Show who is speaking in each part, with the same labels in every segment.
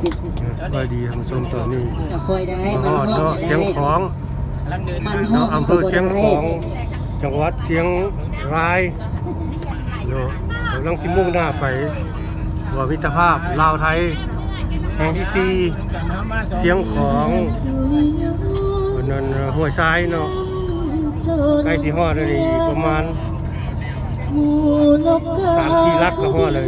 Speaker 1: ไปดีท่านผู้ชมตอนนี้
Speaker 2: คอยได้
Speaker 1: ฮอดเนาะเชียงของเนาะอำเภอเชียงของจังหวัดเชียงรายเนาะกำลังสิมุ่งหน้าไปว่ามิตรภาพลาวไทยแห่งที่4เชียงของวันนั้นห้วยทรายเนาะใกล้ที่ฮอดเลยประมาณ3-4 ลักก็ฮอดเลย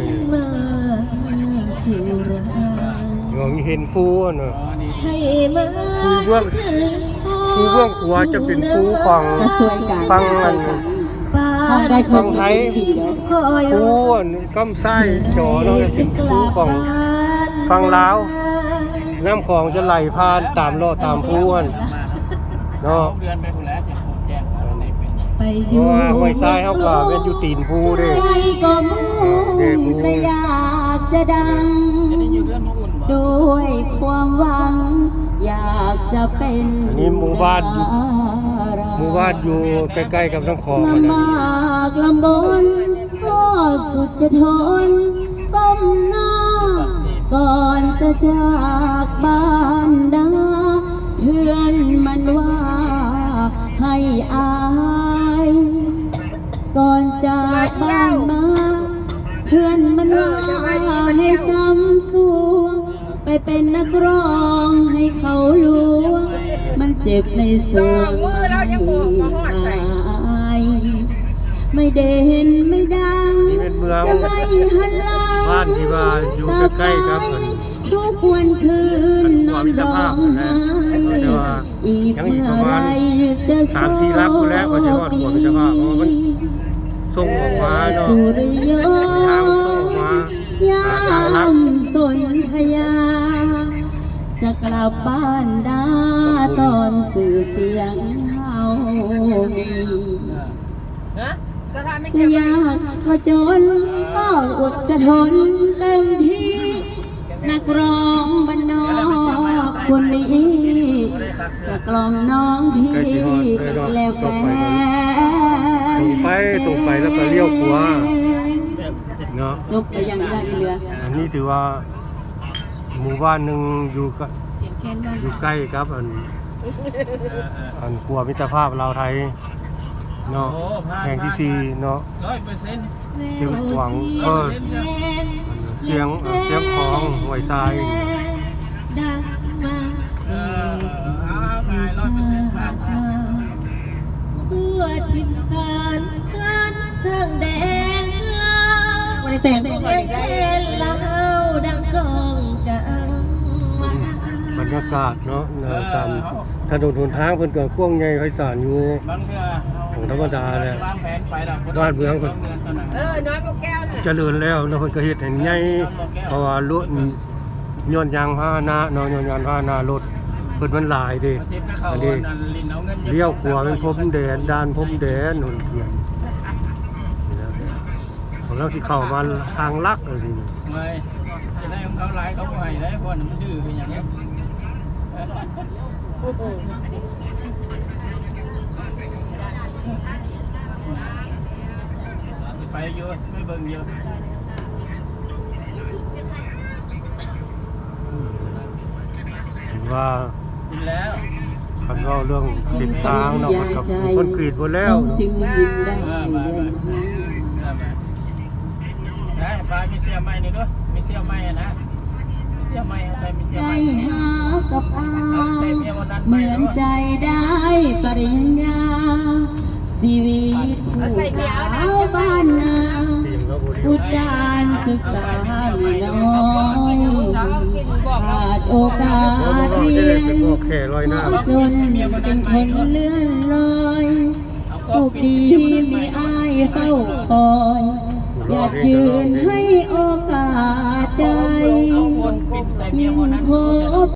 Speaker 1: เราเห็นภูเนาะภูเบื้องขวาจะเป็นภูฝั่งมันฝั่งไทยภูกำไส้จอเนาะจะเป็นภูฝั่งลาวน้ำของจะไหลผ่านตามล้อตามภูเนาะเพราะว่าห้วยทรายเขาก็เป็นอยู่ตีนภูเด้ภู
Speaker 2: อยากจะดังด้วยความหวังอยากจะเป็น
Speaker 1: อันนี้หมู่บ้านอยู่ใกล้ๆกับน้ำคลองมันนะ
Speaker 2: ลำบนก็สุดจะทนก้มหน้าก่อนจะจากบ้านดาเพื่อนมันว่าให้อายก่อนจากบ้านมาเพื่อนมันว่าให้ซ้ำสู้ไปเป็นนักร้องให้เขารู้มันเจ็บในส่วนไม่เด่นไม่ดังจะไม่หันหลัง
Speaker 1: บ้านที่ว่าอยู่ใกล้ๆครับ
Speaker 2: ทุกวันคืนนอนร้องไห้อีกเมื่อไรจะ
Speaker 1: 3-4 ลักแล้วก็จะฮอดหัวมิตรภาพเพราะมันส่งออกมาเนาะทางส่งออกมาทางลัก
Speaker 2: สนธยาจะกลับบ้านดาตอนสื่อเสียงเฮามีจะยากก็จนก็อดจะทนเต็มที่นักร้องบ้านนอกคนนี้จะกล่อมน้องพี่แล้วแฟ
Speaker 1: ตรงไปแล้วก็เลี้ยวขวาเนาะ
Speaker 2: จบไปยังได้เรือ
Speaker 1: อันนี้ถือว่าหมู่บ้านหนึ่งอยู่ใกล้ครับอันครัวมิตรภาพลาวไทยเนาะแห่งที่4เนาะเชียงขวางเชียงของห้วยทราย
Speaker 2: เพื่อทิศทางการสร้างแดนวันนี้แต่งเสียงเอ็นเล่าดังกองกัง
Speaker 1: บรรยากาศเนาะตามถนนหนทางเพิ่นก็กว้างใหญ่ไพศาลอยู่ของธรรมดาเลยบ้านเมืองเพิ่น
Speaker 2: น้อยพวกแก้วน่ะ
Speaker 1: เจริญแล้วเนาะเพิ่นก็เฮ็ดให้ใหญ่เพราะว่ารถย้อนยางพาหนะเนาะย้อนยางพาหนะรถเพิ่นมันหลายเด้อันนี้เลี้ยวขวาเป็นพรมแดนด้านพรมแดนนู่นเขียนของเราที่เข้ามาทางลักเลยสิ
Speaker 3: จะได้ของเขาหลายเขาใหม่ได้เพราะมันดื้อเป็นอย่างนี้ไปเยอะไม่เบิ่งเยอะ
Speaker 1: ว่า
Speaker 3: กินแล้ว
Speaker 1: คันว่าเรื่องติดทางเนาะกับคนกรีดหมดแล้ว
Speaker 2: จึงยิ้มได้
Speaker 3: ได้ปลามีเสี้ยไม้นี่ด้วยมีเสี้ยไม้นะมีเสี้ยไม้ใส่มีเสี้ยไม้
Speaker 2: หากับอายเหมือนใจได้ปริญญาชีวิตผู้สาวบ้านนาพุทธานศึกษาน้อยขาดโอกาสเรียนจนเป็นคนเลื่อนลอยโชคดีมีอ้ายเฝ้าคอยอยากยืนให้โอกาสใจยิ่งพบ